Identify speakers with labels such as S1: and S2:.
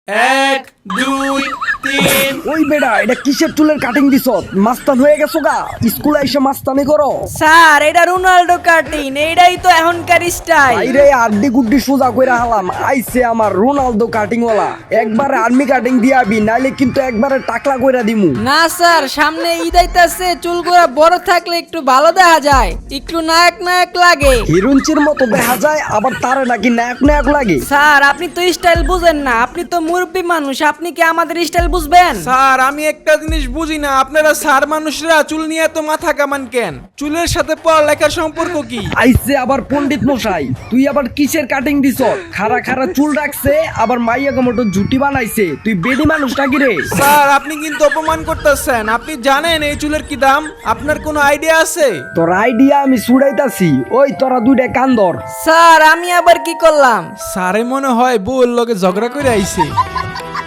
S1: এক দুই তিন।
S2: ওই বেড়া এটা কিসের চুলের কাটিং দিছ? মাস্তান হয়ে গেছো গা? স্কুলে এসে মাস্তানি করো?
S3: স্যার এটা রোনাল্ডো কাটিং, এইটাই তো এখনকার স্টাইল।
S2: আইরে আড্ডি গুড্ডি সোজা কইরা হালাম, আইছে আমার রোনালদো কাটিং ওয়ালা। একবারে আর্মি কাটিং দিয়াবি, নাইলে কিন্তু একবারে টাকলা কইরা দিমু।
S3: না স্যার, সামনে ঈদ আইতাছে, চুলগুলো বড় থাকলে একটু ভালো দেখা যায়, একটু নায়ক নায়ক লাগে।
S2: হিরুঞ্চির মতো দেখা যায়, আবার তারে নাকি নায়ক নায়ক লাগে।
S3: স্যার আপনি তো স্টাইল বুঝেন না, আপনি তো মুরব্বী মানুষ, আপনি কি আমাদের স্টাইল বুঝবেন?
S1: স্যার আমি একটা জিনিস বুঝি না, আপনারা স্যার মানুষরা চুল নিয়ে এত মাথা কামান কেন? চুলের সাথে পড়ালেখার সম্পর্ক কি?
S2: আইছে আবার পণ্ডিত মশাই, তুই আবার কিসের কাটিং দিছ? খাড়া খাড়া চুল রাখছে, আবার মাইয়া মতো জুটি বানাইছে। তুই বেডি মানুষ নাকি রে?
S1: স্যার আপনি কিন্তু অপমান করতেছেন। আপনি জানেন এই চুলের কি দাম? আপনার কোনো আইডিয়া আছে?
S2: তোর আইডিয়া আমি ছুড়াইতাছি, ওই তোরা দুইটা কান ধর।
S3: স্যার আমি আবার কি করলাম?
S1: স্যারে মনে হয় বউর লগে ঝগড়া করে আইছে।